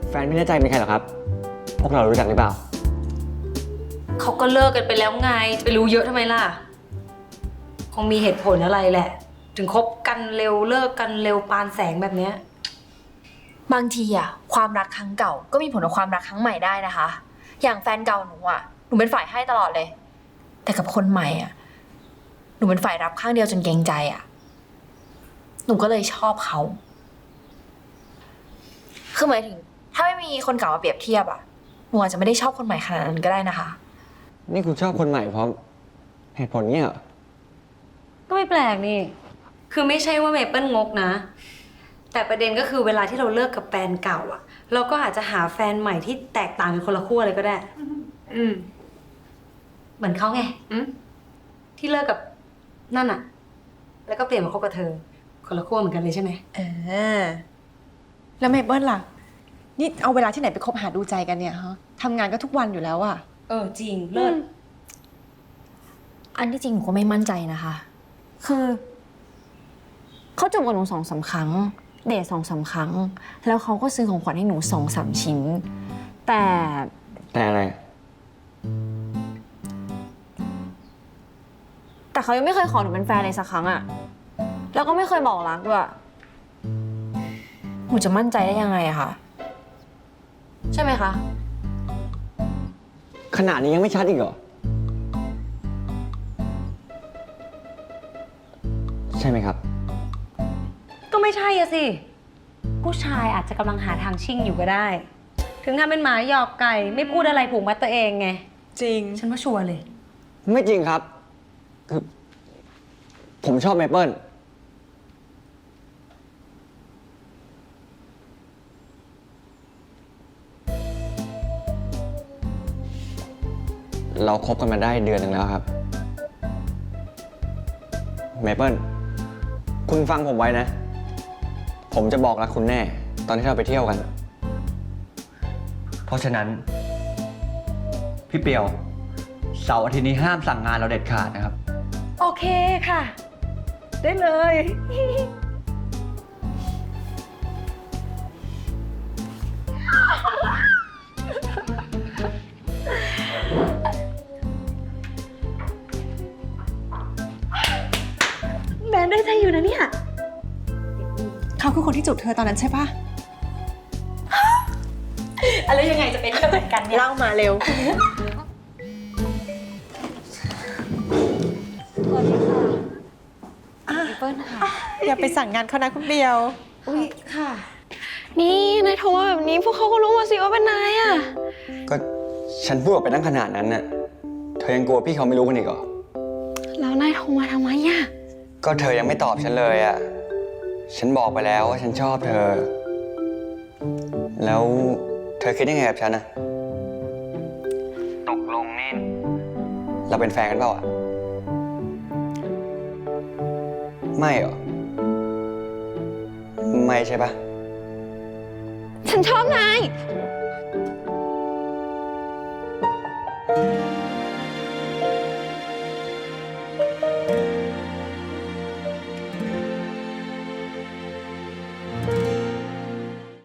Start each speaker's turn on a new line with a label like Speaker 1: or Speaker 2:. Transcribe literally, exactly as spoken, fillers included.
Speaker 1: แฟนไม่แน่ใจเป็นใครหรอครับ พวกเรารู้จักหรือเปล่า
Speaker 2: เขาก็เลิกกันไปแล้วไงจะไปรู้เยอะทำไมล่ะคงมีเหตุผลอะไรแหละ ถึงคบกันเร็วเลิกกันเร็วปานแสงแบบเนี้ย
Speaker 3: บางทีอะความรักครั้งเก่าก็มีผลกับความรักครั้งใหม่ได้นะคะ อย่างแฟนเก่าหนูอะหนูเป็นฝ่ายให้ตลอดเลย แต่กับคนใหม่อะหนูเป็นฝ่ายรับข้างเดียวจนเกรงใจอะหนูก็เลยชอบเขาคือหมายถึงถ้าไม่มีคนเก่ามาเปรียบเทียบอะหนูอาจจะไม่ได้ชอบคนใหม่ขนาดนั้นก็ได้นะคะ
Speaker 1: นี่คุณชอบคนใหม่เพราะเหตุผลเนี้ยเหรอ
Speaker 2: ก็ไม่แปลกนี่คือไม่ใช่ว่าเมเปิ้ลงกนะแต่ประเด็นก็คือเวลาที่เราเลิกกับแฟนเก่าอะเราก็อาจจะหาแฟนใหม่ที่แตกต่างกันคนละขั้วเลยก็ได้อืมเหมือนเขาไงอืมที่เลิกกับนั่นอะแล้วก็เปลี่ยนมาคบกับเธอคนละขั้วเหมือนกันเลยใช่ไหม
Speaker 4: เออแล้วเมเปิ้ลล่ะนี่เอาเวลาที่ไหนไปคบหาดูใจกันเนี่ยฮะทำงานก็ทุกวันอยู่แล้วอะ
Speaker 2: เออจริงเลิศ
Speaker 3: อันที่จริงหนูก็ไม่มั่นใจนะคะ คือเขาจูบกับหนูสองสาครั้งเดทสองสาครั้งแล้วเขาก็ซื้อของขวัญให้หนูสองสามชิ้นแต่
Speaker 1: แต่อะไร
Speaker 3: แต่เขายังไม่เคยขอหนูเป็นแฟนเลยสักครั้งอะแล้วก็ไม่เคยบอกรักด้วยหนูจะมั่นใจได้ยังไงอะคะใช่ไหมคะ
Speaker 1: ขนาดนี้ยังไม่ชัดอีกเหรอใช่ไหมครับ
Speaker 2: ก็ไม่ใช่อะสิผู้ชายอาจจะกำลังหาทางชิ่งอยู่ก็ได้ ถึงทำเป็นหมาหยอกไก่ไม่พูดอะไรผูกมัดตัวเองไง
Speaker 4: จริง
Speaker 2: ฉันว่าชัวร์เลย
Speaker 1: ไม่จริงครับคือผมชอบเมเปิ้ลเราคบกันมาได้เดือนหนึ่งแล้วครับเมเปิ้ลคุณฟังผมไว้นะผมจะบอกรักคุณแน่ตอนที่เราไปเที่ยวกันเพราะฉะนั้นพี่เปียวเสาร์อาทิตย์นี้ห้ามสั่งงานเราเด็ดขาดนะครับ
Speaker 2: โอเคค่ะได้เลยแบนได้ใจอยู่นะเนี่ย
Speaker 4: เขาคือคนที่จูบเธอตอนนั้นใช่ปะ
Speaker 2: อะไรยังไงจะเป็นเหมือนกันเนี่ย
Speaker 4: เล่ามาเร็ว
Speaker 3: สวัสดีค่ะเปิ้ลค่ะ
Speaker 4: อย่าไปสั่งงานเขานะคุณเบียว
Speaker 2: อุ้ยค่ะ
Speaker 3: นี่นายโทรมาแบบนี้พวกเขาก็รู้มาสิว่าเป็นนายอะ
Speaker 1: ก็ฉันพูดออกไปตั้งขนาดนั้นน่ะเธอยังกลัวพี่เขาไม่รู้กันอีกเหรอ
Speaker 3: แล้วนายโทรมาทำไมอะ
Speaker 1: ก็เธอยังไม่ตอบฉันเลยอ่ะฉันบอกไปแล้วว่าฉันชอบเธอแล้วเธอคิดยังไงกับฉันนะตกลงนี่เราเป็นแฟนกันเปล่าอ่ะไม่เหรอไม่ใช่ปะ
Speaker 3: ฉันชอบนาย